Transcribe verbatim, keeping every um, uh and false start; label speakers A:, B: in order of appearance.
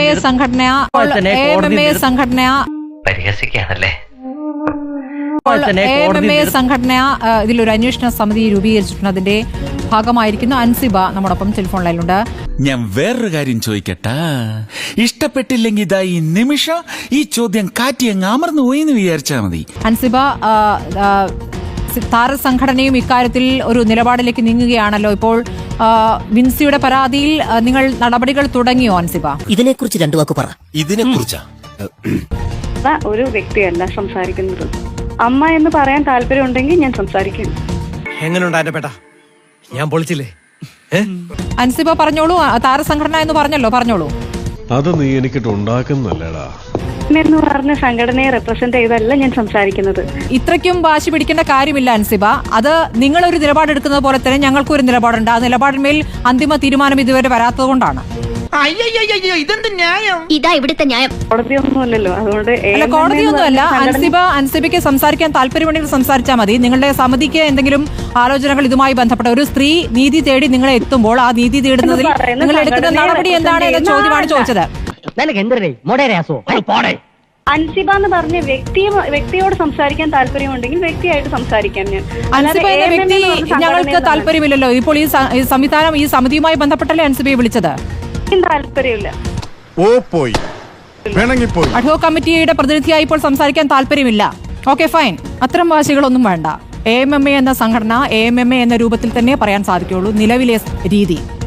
A: സംഘടന A M M A സംഘടന
B: പരിഹസിക്കാണല്ലേ
A: എ എം എം എ സംഘടന ഇതിലൊരു അന്വേഷണ സമിതി രൂപീകരിച്ചിട്ടുണ്ട്. അതിന്റെ ഭാഗമായിരിക്കുന്ന അൻസിബ നമ്മോടൊപ്പം ടെലിഫോൺ ലൈനിലുണ്ട്.
C: ഞാൻ വേറൊരു കാര്യം ചോദിക്കട്ടാ, ഇഷ്ടപ്പെട്ടില്ലെങ്കിൽ ഇതാ ഈ നിമിഷം ഈ ചോദ്യം കാറ്റി അങ്ങ് അമർന്നു പോയി എന്ന് വിചാരിച്ചാ മതി.
A: അൻസിബ, താരസംഘടനയും ഇക്കാര്യത്തിൽ ഒരു നിലപാടിലേക്ക് നീങ്ങുകയാണല്ലോ. ഇപ്പോൾ വിൻസിയുടെ പരാതിയിൽ നിങ്ങൾ നടപടികൾ തുടങ്ങിയോ അൻസിബ?
D: ഇതിനെക്കുറിച്ച് രണ്ടു വാക്ക് പറ.
E: ഇതിനെ കുറിച്ചാ
F: ഒരു വ്യക്തിയല്ല സംസാരിക്കുന്നത്. അമ്മ എന്ന് പറയാൻ താല്പര്യം ഉണ്ടെങ്കിൽ ഞാൻ സംസാരിക്കുന്നു.
E: എങ്ങനെയുണ്ട് പേട്ട, ഞാൻ പൊളിച്ചില്ലേ?
A: അൻസിബ പറഞ്ഞോളൂ. താരസംഘടന എന്ന് പറഞ്ഞല്ലോ, പറഞ്ഞോളൂ.
G: അത് നീ എനിക്കിട്ട് ഉണ്ടാക്കുന്നല്ലേടാ
F: എന്ന് പറഞ്ഞ സംഘടനയെ റെപ്രസെന്റ് ചെയ്തല്ല ഞാൻ സംസാരിക്കുന്നത്.
A: ഇത്രയ്ക്കും വാശി പിടിക്കേണ്ട കാര്യമില്ല അൻസിബ. അത് നിങ്ങളൊരു നിലപാടെടുക്കുന്നത് പോലെ തന്നെ ഞങ്ങൾക്കും ഒരു നിലപാടുണ്ട്. ആ നിലപാടിന്മേൽ അന്തിമ തീരുമാനം ഇതുവരെ വരാത്തത് കൊണ്ടാണ്.
D: ഇതാ ഇവിടുത്തെ ന്യായം.
F: കോടതിയൊന്നുമല്ലല്ലോ, അതുകൊണ്ട്
A: അല്ല, കോടതിയൊന്നുമല്ല. അൻസിബ അൻസിബയ്ക്ക് സംസാരിക്കാൻ താല്പര്യമുണ്ടെങ്കിൽ സംസാരിച്ചാൽ മതി. നിങ്ങളുടെ സമിതിക്ക് എന്തെങ്കിലും ആലോചനകൾ ഇതുമായി ബന്ധപ്പെട്ട ഒരു സ്ത്രീ നീതി തേടി നിങ്ങളെ എത്തുമ്പോൾ ആ നീതി തേടുന്നതിൽ നിങ്ങൾ എടുക്കുന്ന നടപടി എന്താണ് എന്ന ചോദ്യമാണ് ചോദിച്ചത്.
F: അൻസിബ എന്ന് പറഞ്ഞ വ്യക്തി വ്യക്തിയോട് സംസാരിക്കാൻ താല്പര്യമുണ്ടെങ്കിൽ വ്യക്തിയായിട്ട് സംസാരിക്കാൻ ഞാൻ.
A: അൻസിബ എന്ന വ്യക്തി ഞങ്ങൾക്ക് താല്പര്യമില്ലല്ലോ. ഇപ്പോൾ ഈ സംവിധാനം ഈ സമിതിയുമായി ബന്ധപ്പെട്ടല്ലേ അൻസിബയെ വിളിച്ചത്?
F: താല്പര്യമില്ല.
A: അഡ്ഹോ കമ്മിറ്റിയുടെ പ്രതിനിധിയായി ഇപ്പോൾ സംസാരിക്കാൻ താല്പര്യമില്ല. Okay, fine. അത്തരം വാശികളൊന്നും വേണ്ട. എ എം എം എ എന്ന സംഘടന എ എം എം എ എന്ന രൂപത്തിൽ തന്നെ പറയാൻ സാധിക്കുള്ളൂ നിലവിലെ രീതി.